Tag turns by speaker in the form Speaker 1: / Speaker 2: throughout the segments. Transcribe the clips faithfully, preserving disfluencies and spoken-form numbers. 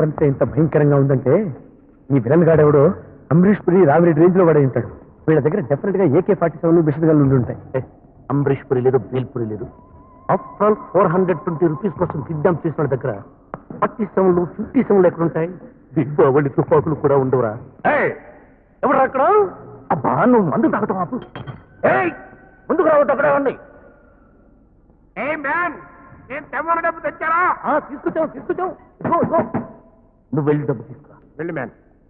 Speaker 1: అంటే ఇంత భయంకరంగా ఉందంటే ఈ విలన్ గాడెవడో అంబరీష్ పురి రామిరెడ్డి రేంజ్ లో వాడే ఉంటాడు. వీళ్ళ దగ్గర డెఫినెట్ గా ఏకే ఫార్టీ సెవెన్ మిషన్ గన్లు ఉండి ఉంటాయి. అంబరీష్ పురి లేదు, బేల్పురి లేదు. After all four hundred twenty rupees కోసం కిడ్నాప్ చేసిన వాళ్ళ దగ్గర ఫార్టీ సెవెన్లు ఫిఫ్టీ సెవెన్లు ఎక్కడ ఉంటాయి? దీపావళి తుపాకులు కూడా ఉండవురా. ఎవరు అక్కడ? అబ్బా నువ్వు మందు తాగటం ఆపు. ముందుకు రావద్దు, అక్కడే ఉంది.
Speaker 2: డబ్బు తెచ్చారా?
Speaker 1: తీసుకొచ్చావు తీసుకొచ్చావు నువ్వు వెళ్ళి డబ్బు తీసుకురా.
Speaker 2: వెళ్ళి మ్యాన్.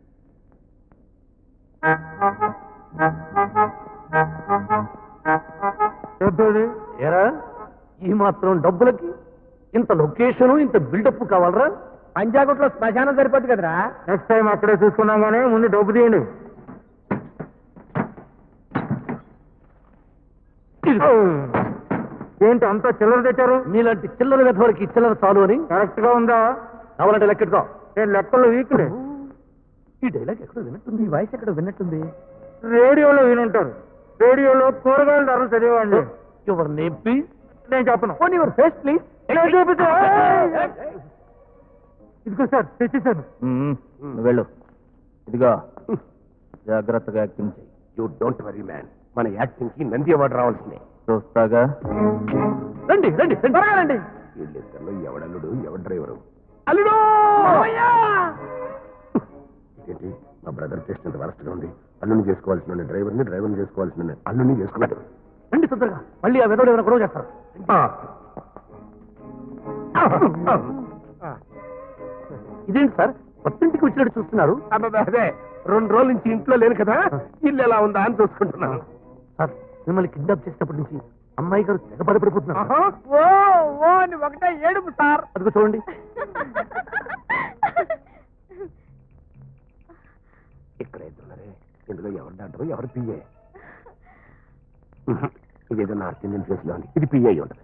Speaker 1: ఏరా ఈ మాత్రం డబ్బులకి ఇంత లొకేషను ఇంత బిల్డప్ కావాలరా?
Speaker 3: పంజాగుట్లో శ్మశానం సరిపోద్ది కదరా.
Speaker 2: నెక్స్ట్ టైం అక్కడే చూసుకున్నాం కానీ ముందు డబ్బు తీయండి. ఏంటి అంతా చిల్లర తెచ్చారు?
Speaker 1: మీలాంటి చిల్లర వెధవలకి చిల్లర చాలు అని.
Speaker 2: కరెక్ట్ గా ఉందా?
Speaker 1: కావాలంటే లెక్కెట్టుకో.
Speaker 2: నేను లెక్కల్లో వీక్లే.
Speaker 1: ఈ డైలాగ్ ఎక్కడో విన్నట్టుంది, ఈ వాయిస్ ఎక్కడో విన్నట్టుంది.
Speaker 2: రేడియోలో వినుంటారు. రేడియోలో కూరగాయల ధరలు చదివండి.
Speaker 1: Your name please.
Speaker 2: నేను చెప్పను.
Speaker 1: Own your face please.
Speaker 2: ఇదిగో సార్ తెచ్చేసాను.
Speaker 1: వెళ్ళు. ఇదిగో జాగ్రత్తగా యాక్టింగ్ చెయ్యి.
Speaker 2: యూ డోంట్ వరీ మ్యాన్, మన యాక్టింగ్ కి నంది అవార్డు రావాల్సిందే.
Speaker 1: చూస్తాగా. రండి రండి త్వరగా రండి.
Speaker 2: వీళ్ళిద్దరిలో ఎవడల్లుడు ఎవడు డ్రైవరు?
Speaker 1: అల్లుడు.
Speaker 2: ఇదేంటి మా బ్రదర్ టెస్ట్ అంత వరస్ట్ గా ఉంది. అల్లుని చేసుకోవాల్సిన డ్రైవర్ని, డ్రైవర్ని చేసుకోవాల్సిన అల్లుని చేసుకున్నాడు.
Speaker 1: రండి తొందరగా, మళ్ళీ ఆ వెదోడు ఏమైనా గొడవ చేస్తారు. ఇదేంటి సార్ కొత్తింటికి వచ్చినట్టు చూస్తున్నారు?
Speaker 2: అదే రెండు రోజుల నుంచి ఇంట్లో లేను కదా, ఇల్లు ఎలా ఉందా అని చూసుకుంటున్నాను.
Speaker 1: సార్ మిమ్మల్ని కిడ్నాప్ చేసినప్పటి నుంచి అమ్మాయి గారు తెగబడిపడిపోతున్నారు.
Speaker 3: ఒకటే ఏడుపు సార్.
Speaker 1: అదిగో చూడండి.
Speaker 2: ఇక్కడ అవుతున్నారే, ఇందులో ఎవరు డాక్టర్ ఎవరు పిఏ? ఇదేదో నార్త్ ఇండియన్ ఫేస్ లో ఉంది. ఇది పిఏ ఉంటుంది.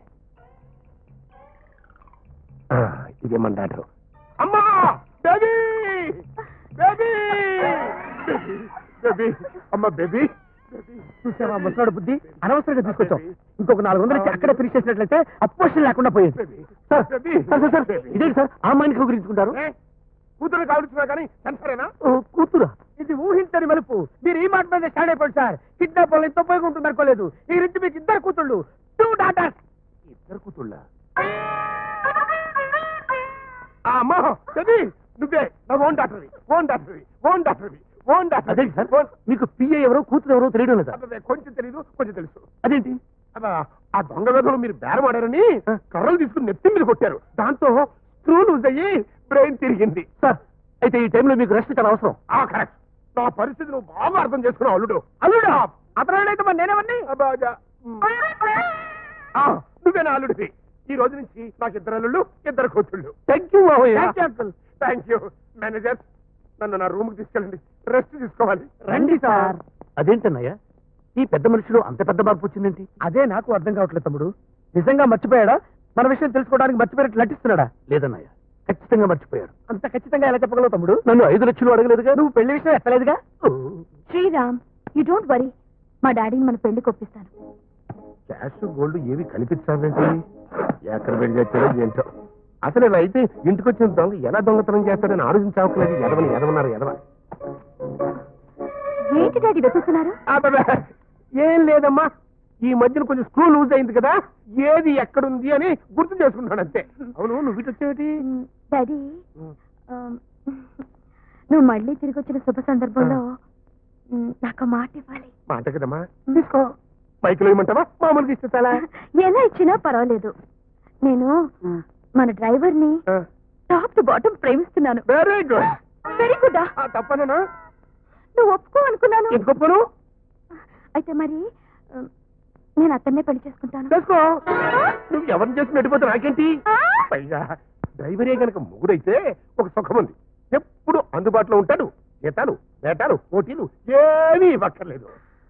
Speaker 2: ఇదేమన్నా డాక్టర్. అమ్మా బేబీ బేబీ బేబీ అమ్మ బేబీ.
Speaker 3: చూసావా ముసలాడు బుద్ధి, అనవసరంగా తీసుకొచ్చాం. ఇంకొక నాలుగు వందలు ఇచ్చి అక్కడే ఫినిష్ చేసినట్లయితే అపోజిషన్ లేకుండా పోయేది.
Speaker 1: సార్ సార్ సార్ ఇదేంటి సార్ ఆ అమ్మాయిని కౌగిలించుకుంటారు?
Speaker 2: కూతురు కావచ్చున్నా కానీ సెన్సరేనా?
Speaker 1: కూతురా?
Speaker 3: ఇది ఊహించని మలుపు. మీరు ఈ మాట మీద స్టాండ్ అయిపోయింది సార్. కిడ్నాప్ వల్ల ఎంతో ఉపయోగం ఉంటుంది అనుకోలేదు. ఈ రించి మీకు ఇద్దరు కూతుళ్ళు, టూ డాటర్స్.
Speaker 2: ఇద్దరు కూతుళ్ళ? అమ్మా బేబీ నువ్వే నా ఓన్ డాక్టర్వి, ఓన్ డాక్టర్వి, ఓన్ డాక్టర్వి, ఓన్ డాక్టర్.
Speaker 1: అదేంటి సార్ మీకు పిఏ ఎవరో కూతురు ఎవరో తెలియడం లేదా?
Speaker 2: కొంచెం తెలీదు, కొంచెం తెలుసు.
Speaker 1: అదేంటి?
Speaker 2: ఆ దొంగ వేధంలో మీరు బేరం ఆడారని కర్రలు తీసుకుని నెత్తి మీద కొట్టారు. దాంతో స్క్రూ లూజ్ అయ్యి బ్రెయిన్ తిరిగింది.
Speaker 1: సార్ అయితే ఈ టైంలో మీకు రెస్ట్ చాలా అవసరం.
Speaker 2: ఆ కరెక్ట్. నా పరిస్థితి నువ్వు బాగా అర్థం చేసుకున్నావు అల్లుడు.
Speaker 3: అల్లుడా? అతనైతే మరి నేనేమన్నీ?
Speaker 2: నువ్వే నా అల్లుడివి. ఈ రోజు నుంచి నాకు ఇద్దరు అల్లుళ్ళు, ఇద్దరు కూతుళ్ళు.
Speaker 1: Thank you
Speaker 2: uncle. Thank you. Manager నన్ను నా రూమ్ కి తీసుకెళ్ళండి, రెస్ట్ తీసుకోవాలి.
Speaker 3: రండి సార్.
Speaker 1: అదేంటన్నయ్య ఈ పెద్ద మనిషిలో అంత పెద్ద మార్పు వచ్చిందేంటి?
Speaker 3: అదే నాకు అర్థం కావట్లేదు తమ్ముడు. నిజంగా మర్చిపోయాడా? మన విషయం తెలుసుకోవడానికి మర్చిపోయినట్టు నటిస్తున్నాడా?
Speaker 1: లేదన్నయ్య ఖచ్చితంగా మర్చిపోయాడు.
Speaker 3: అంత ఖచ్చితంగా ఎలా చెప్పగలవు తమ్ముడు?
Speaker 1: నన్ను ఐదు లక్షలు అడగలేదుగా.
Speaker 3: నువ్వు పెళ్లి విషయం ఎక్కలేదుగా.
Speaker 4: శ్రీరామ్ యూ డోంట్ వరీ, మా డాడీని మన పెళ్లి కొప్పిస్తాను.
Speaker 2: క్యాష్ గోల్డ్ ఏవి కనిపించాలంటే ఎక్కడ పెళ్లి చేస్తారో ఏంటో. అసలు ఇలా అయితే ఇంటికి వచ్చిన దొంగ ఎలా దొంగతనం చేస్తాడని ఆలోచించవట్లేదు. ఎదవని ఎదవన్నారు ఎదవ.
Speaker 4: ఏంటి డాడీ వెతుకుతున్నారు?
Speaker 2: ఏం లేదమ్మా, ఈ మధ్యన కొంచెం స్క్రూ లూజ్ అయింది కదా, ఏది ఎక్కడుంది అని గుర్తు చేసుకుంటాను అంతే. అవును నువ్వు ఇటు వచ్చేది?
Speaker 4: డాడీ నువ్వు మళ్ళీ తిరిగి వచ్చిన శుభ సందర్భంలో నాకు మాట ఇవ్వాలి.
Speaker 2: మాట కదమ్మా, తీసుకో. మైకులో ఇవ్వమంటావా మామూలుగా ఇస్తే చాలా?
Speaker 4: ఎలా ఇచ్చినా పర్వాలేదు. నేను మన డ్రైవర్ ని టాప్ టు బాటమ్ ప్రేమిస్తున్నాను.
Speaker 2: Very good.
Speaker 4: Very good.
Speaker 2: తప్పనా?
Speaker 4: నువ్వు ఒప్పుకో అనుకున్నాను.
Speaker 2: ఎందుకు ఒప్పుకోను?
Speaker 4: అయితే మరి నేను అతన్నే పెళ్లి చేసుకుంటాను.
Speaker 2: చేసుకో. నువ్వు ఎవరిని చేసి పెట్టిపోతే నాకేంటి? పైగా డ్రైవరే గనక ముగ్గురైతే ఒక సుఖం ఉంది. ఎప్పుడు అందుబాటులో ఉంటాడు. జీతాలు, వేటాలు, పోటీలు ఏమీ ఇవ్వక్కర్లేదు.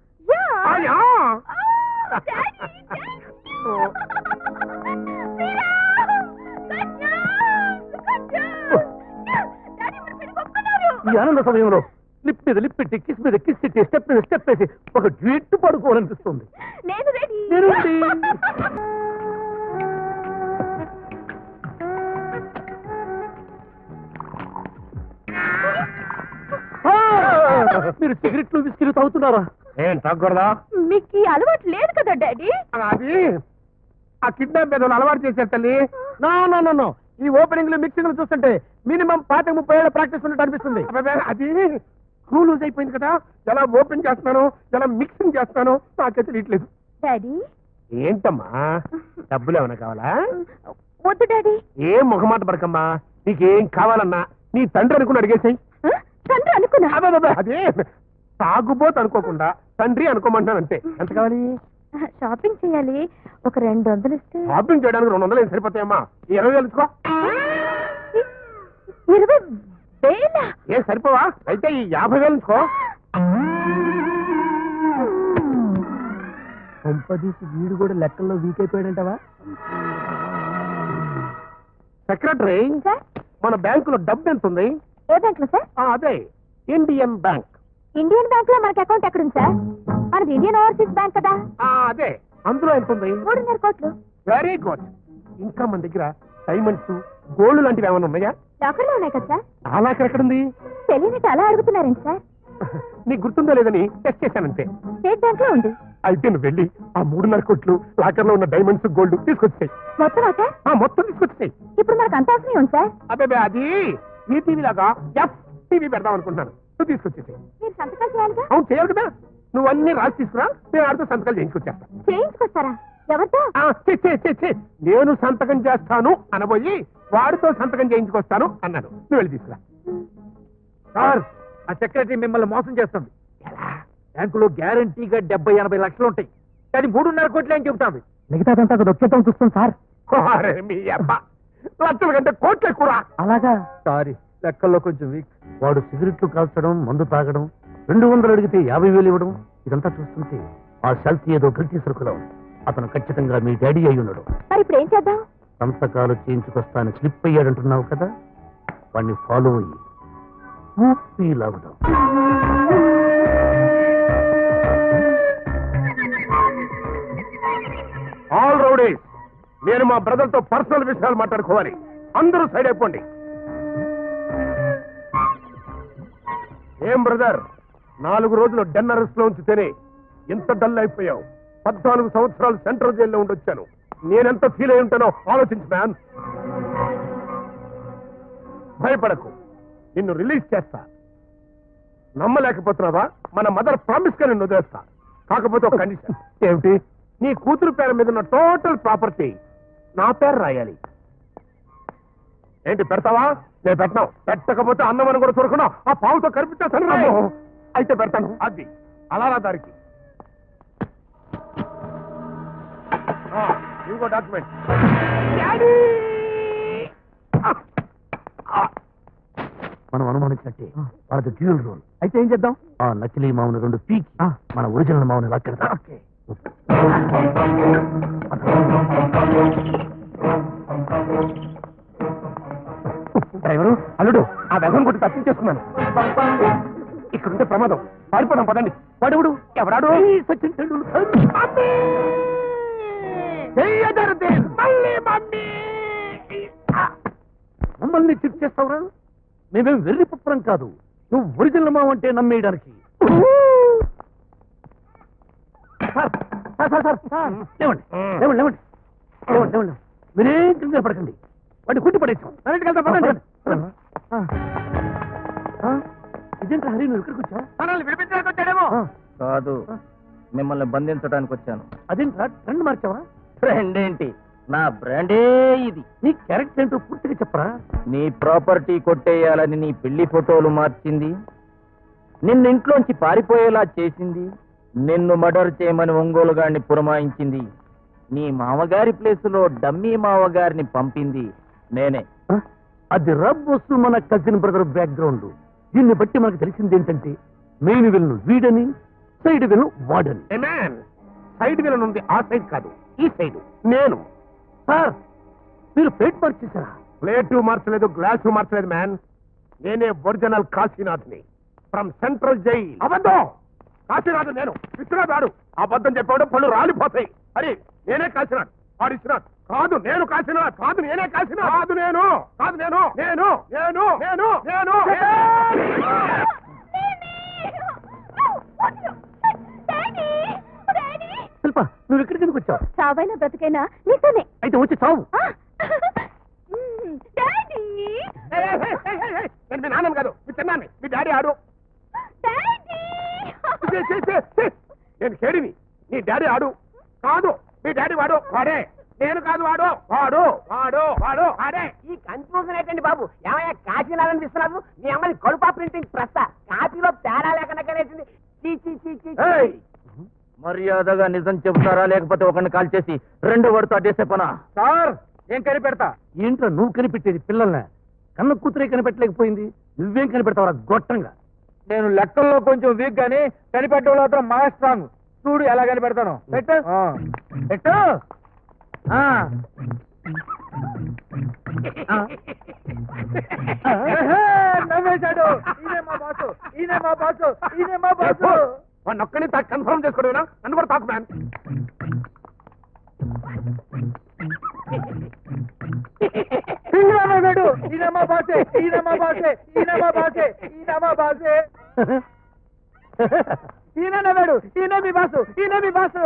Speaker 1: ఈ ఆనంద సమయంలో లిప్ మీద లిప్ పెట్టి కిస్ మీద కిస్ పెట్టి స్టెప్ మీద స్టెప్ వేసి ఒక డ్యూట్ పడుకోవాలనిపిస్తుంది.
Speaker 4: నేను రెడీ.
Speaker 1: నేను రెడీ. మీరు సిగరెట్లు బిస్కెట్లు తాగుతున్నారా?
Speaker 2: ఏం తగ్గకూడదా?
Speaker 4: మీకు ఈ అలవాటు లేదు కదా డాడీ.
Speaker 2: అది ఆ కిడ్నాప్ మీద అలవాటు చేశారు తల్లి.
Speaker 3: నో నో నో నో ఈ ఓపెనింగ్ లో మిక్సింగ్ చూస్తుంటే మినిమం పాతి ముప్పై ఏళ్ళ ప్రాక్టీస్ ఉన్నట్టు అనిపిస్తుంది.
Speaker 2: అబ్బబ్బే, అది స్క్రూ లూజ్ అయిపోయింది కదా, ఎలా ఓపెన్ చేస్తున్నాను ఎలా మిక్సింగ్ చేస్తున్నాను నాకే తెలియట్లేదు.
Speaker 4: డాడీ
Speaker 2: ఏంటమ్మా డబ్బులు ఏమైనా కావాలా?
Speaker 4: వద్దు డాడీ.
Speaker 2: ఏం మొహమాట పడకమ్మా, నీకేం కావాలన్నా నీ తండ్రి అనుకుని అడిగేసాయి.
Speaker 4: తండ్రి అనుకున్నా.
Speaker 2: అదే అదే తాగుబోతు అనుకోకుండా తండ్రి అనుకోమంటాను అంతే. ఎంత కావాలి?
Speaker 4: షాపింగ్ చేయాలి, ఒక రెండు వందలు ఇస్తే.
Speaker 2: షాపింగ్ చేయడానికి రెండు వందలు ఏం సరిపోతాయమ్మా? ఈ ఇరవై వేలు ఇచ్చుకో.
Speaker 4: ఇరవై వేల
Speaker 2: ఏం సరిపోవా? అయితే ఈ యాభై వేలు ఇచ్చుకో.
Speaker 3: కొంపదీసి వీడు కూడా లెక్కల్లో వీక్ అయిపోయాడంటవా?
Speaker 2: సెక్రటరీ,
Speaker 4: సార్
Speaker 2: మన బ్యాంకులో డబ్బు ఎంత ఉంది?
Speaker 4: ఏ బ్యాంక్ లో సార్?
Speaker 2: ఆ, అదే ఇండియన్ బ్యాంక్.
Speaker 4: ఇండియన్ బ్యాంక్ లో మనకి అకౌంట్ ఎక్కడుంది సార్? మనది ఇండియన్ ఓవర్సీస్ బ్యాంక్ కదా.
Speaker 2: ఆ, అదే అందులో ఎంత ఉంది?
Speaker 4: మూడున్నర కోట్లు.
Speaker 2: Very good. ఇంకా మన దగ్గర డైమండ్స్ గోల్డ్ లాంటివి ఏమైనా ఉన్నాయా?
Speaker 4: లాకర్ లో ఉన్నాయి కదా సార్.
Speaker 2: ఆ లాకర్ ఎక్కడుంది?
Speaker 4: తెలియనట్టు అలా అడుగుతున్నారండి సార్.
Speaker 2: నీకు గుర్తుందో లేదని టెస్ట్ చేశానంతే.
Speaker 4: స్టేట్ బ్యాంక్ లో ఉంది.
Speaker 2: అయితే నువ్వు వెళ్ళి ఆ మూడున్నర కోట్లు లాకర్ లో ఉన్న డైమండ్స్ గోల్డ్ తీసుకొచ్చాయి.
Speaker 4: మొత్తం సార్
Speaker 2: ఆ మొత్తం తీసుకొచ్చాయి.
Speaker 4: ఇప్పుడు మనకు అంత అవసరం ఉంది సార్.
Speaker 2: అదే అది ఈ టీవీ లాగా ఎఫ్ టీవీ పెడదాం అనుకుంటున్నాను. నువ్వు తీసుకొచ్చేసాయి.
Speaker 4: మీరు సంతకాలు చేయాలిగా.
Speaker 2: అవును చేయాలి కదా. నువ్వు అన్ని రాసి తీసుకురా, నేను ఆడితో సంతకాలు చేయించుకొచ్చేస్తా.
Speaker 4: చేయించుకొస్తారా? ఎవరితో?
Speaker 2: ఆ, ఛీ, ఛీ, ఛీ, ఛీ. నేను సంతకం చేస్తాను అనబోయి వాడితో సంతకం చేయించుకొస్తాను అన్నాను. నువ్వు వెళ్ళి తీసుకురా.
Speaker 3: సార్ ఆ సెక్రటరీ మిమ్మల్ని మోసం చేస్తుంది. బ్యాంకులో గ్యారంటీగా డెబ్బై ఎనభై లక్షలు ఉంటాయి, కానీ మూడున్నర కోట్లు ఏం చెబుతాంది. మిగతాదంతా వచ్చేద్దాం చూస్తాం సార్.
Speaker 2: అరే మీ అబ్బా, లక్షల కంటే కోట్లు ఎక్కువ.
Speaker 3: అలాగా? సారీ, లెక్కల్లో కొంచెం వీక్.
Speaker 1: వాడు సిగరెట్లు కాల్చడం, మందు తాగడం, రెండు వందలు అడిగితే యాభై వేలు ఇవ్వడం, ఇదంతా చూస్తుంటే ఆ శాల్తీ ఏదో కల్తీ సరుకులో ఉంది. అతను ఖచ్చితంగా మీ డాడీ అయి ఉన్నాడు.
Speaker 4: మరి ఇప్పుడు ఏం చేద్దాం?
Speaker 1: సంతకాలు చేయించుకొస్తాను స్లిప్ అయ్యాడంటున్నావు కదా, వాడిని ఫాలో అయ్యి ఊపి లాగుదాం.
Speaker 2: ఆల్ రౌడీస్, నేను మా బ్రదర్ తో పర్సనల్ విషయాలు మాట్లాడుకోవాలి. అందరూ సైడ్ అయిపోండి. ఏం బ్రదర్, నాలుగు రోజులు డెన్నరస్ లో ఉంచితేనే ఎంత డల్ అయిపోయావు? పద్నాలుగు సంవత్సరాలు సెంట్రల్ జైల్లో ఉండొచ్చాను. నేనెంత ఫీల్ అయి ఉంటానో ఆలోచించు మ్యాన్. భయపడకు, నిన్ను రిలీజ్ చేస్తా. నమ్మలేకపోతున్నావా? మన మదర్ ప్రామిస్ గా నిన్ను వదిలేస్తా. కాకపోతే ఒక కండిషన్. ఏమిటి? నీ కూతురు పేరు మీద ఉన్న టోటల్ ప్రాపర్టీ నా పేరు రాయాలి. ఏంటి పెడతావా? నేను పెట్టను. పెట్టకపోతే అన్నమని కూడా చూడకుండా ఆ పావుతో కనిపించేస్తాను. అయితే పెడతాను. అది అలా రా దారికి. ఇంకో డాక్యుమెంట్.
Speaker 1: మనం అనుమానించినట్టే వాళ్ళది డ్యూయల్ రోల్.
Speaker 3: అయితే ఏం చేద్దాం?
Speaker 1: ఆ నకిలీ మావుని రెండు పీకి మన ఒరిజినల్ మావుని లాక్కెడతాం.
Speaker 2: డ్రైవరు, అల్లుడు, ఆ వ్యసం కొట్టి తప్పించేసుకున్నాను. ఇక్కడుంటే ప్రమాదం. పారిపోదాం పదండి. వాడెవడు? ఎవరాడు? సచిన్ టెండూల్కర్.
Speaker 1: మమ్మల్ని చిప్ చేస్తావురా? మేమేం వెర్రి పుత్రం కాదు. నువ్వు ఒరిజినల్ మావు అంటే నమ్మేయడానికి. లేవండి లేవండి లేవండి లేవండి లేవండి. మీరేం కింద పడకండి. వాడిని కుట్టి పడేసాం. ఇదేంటి హరి, నువ్వు ఇక్కడికి వచ్చావు?
Speaker 3: మనల్ని విడిపించడానికి వచ్చాడేమో.
Speaker 5: కాదు, మిమ్మల్ని బంధించడానికి వచ్చాను.
Speaker 1: అదేంట్రా ట్రెండ్ మార్చావా?
Speaker 5: ఫ్రెండ్ ఏంటి, నా బ్రాండే ఇది.
Speaker 1: నీ క్యారెక్టర్ ఏంటో పూర్తిగా చెప్పరా?
Speaker 5: నీ ప్రాపర్టీ కొట్టేయాలని నీ పెళ్లి ఫోటోలు మార్చింది, నిన్ను ఇంట్లోంచి పారిపోయేలా చేసింది, నిన్ను మర్డర్ చేయమని ఒంగోలు గారిని పురమాయించింది, నీ మామగారి ప్లేసులో డమ్మీ మామగారిని పంపింది నేనే.
Speaker 1: అది రబ్ వస్తు మన కజిన్ బ్రదర్ బ్యాక్గ్రౌండ్. దీన్ని బట్టి మనకు తెలిసింది ఏంటంటే మెయిన్ విలన్ వీడని, సైడ్ విలన్ వాడని.
Speaker 2: సైడ్ విలన్ ఉంది, ఆ సైడ్ కాదు, ఈ సైడ్ నేను.
Speaker 1: సార్, మీరు ప్లేట్ మార్చేశారా?
Speaker 2: ప్లేటు మార్చలేదు, గ్లాసు మార్చలేదు మ్యాన్. నేనే ఒరిజినల్ కాశీనాథ్ని ఫ్రమ్ సెంట్రల్ జైల్. అబద్ధం. కాశీనాథ్ నేను, విశ్వనాథ్ వాడు. అబద్ధం చెప్పాడు పళ్ళు రాలిపోతాయి. అరే నేనే కాశీనాథ్, వాడు విశ్వనాథ్. కాదు నేను కాశీనాథ్, కాదు నేనే కాశీనాథ్, కాదు నేను, కాదు నేను, నేను నేను నేను నేను
Speaker 4: డాడీ డాడీ
Speaker 1: శిల్ప నువ్వు ఇక్కడికి ఎందుకు వచ్చావు?
Speaker 4: చావైనా బ్రతికైనా నీతోనే.
Speaker 1: అయితే వచ్చి చావు.
Speaker 4: ఆ! మ్మ్, డాడీ
Speaker 2: ఏయ్, ఏయ్, ఏయ్, ఏయ్, ఏయ్, నేను మీ నాన్నని కాదు మీ చిన్నాన్ని. మీ డాడీ ఆడు.
Speaker 4: డాడీ
Speaker 2: ఛీ, ఛీ, ఛీ, ఛీ. నేను కేడిని. నీ డాడీ ఆడు కాదు. మీ డాడీ వాడు వాడే. నేను కాదు వాడు వాడు వాడు వాడు వాడే.
Speaker 6: ఈ కన్ఫ్యూజన్ ఏంటండి బాబు? ఏమయ్యా కాశీనాథన్ ఇస్తున్నారు? మీ అమ్మని కడుపా ప్రింటింగ్ ప్రస్త కాపీలో తేడా లేకుండా కనేసింది. చీ చీ చీ చీ చీ.
Speaker 5: ఏయ్! మర్యాదగా నిజం చెబుతారా లేకపోతే ఒకరిని కాల్ చేసి రెండో వాడితో అడ్డేసే పనా?
Speaker 3: సార్ ఏం కనిపెడతా?
Speaker 1: ఏంట్రా నువ్వు కనిపెట్టేది పిల్లల్ని? కన్న కూతురే కనిపెట్టలేకపోయింది, నువ్వేం కనిపెడతావురా గొట్టంగా?
Speaker 3: నేను లెక్కల్లో కొంచెం వీక్ గానీ కనిపెట్టడంలో మాత్రం మా స్ట్రాంగ్. చూడు ఎలా కనిపెడతాను.
Speaker 1: పెట్టు.
Speaker 3: ఆ.
Speaker 1: పెట్టు. ఆ. ఆ.
Speaker 3: ఏహే, నవ్వేశాడు. ఈయనే మా బాసు, ఈయనే మా బాసు, ఈయనే మా బాసు.
Speaker 2: వాడిని ఒక్కడిని తా కన్ఫర్మ్ చేసుకోవడం నన్ను కూడా తాకు మ్యాన్.
Speaker 3: ఈయన నవ్వాడు. ఈయన మా బాసే, ఈయన మా బాసే, ఈయన మా బాసే, ఈయన మా బాసే. ఈయన నవ్వాడు. ఈయన మీ బాసు, ఈయన మీ బాసు.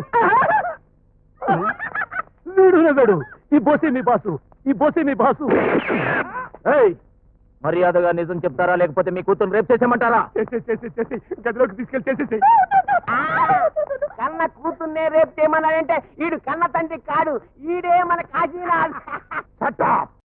Speaker 1: వీడు నవ్వాడు. ఈ బోసే మీ బాసు, ఈ బోసే మీ బాసు.
Speaker 5: ఏయ్! మర్యాదగా నిజం చెప్తారా లేకపోతే మీ కూతురు రేపు చేసేయమంటారా?
Speaker 2: చేసి చేసి చేసి గదిలోకి తీసుకెళ్ళి చేసేసి.
Speaker 6: ఆ, కన్న కూతుర్నే రేపు చేయమన్నాడంటే ఈడు కన్న తండ్రి కాడు, ఈడే మన కాశీనాథ్.
Speaker 2: Shut up.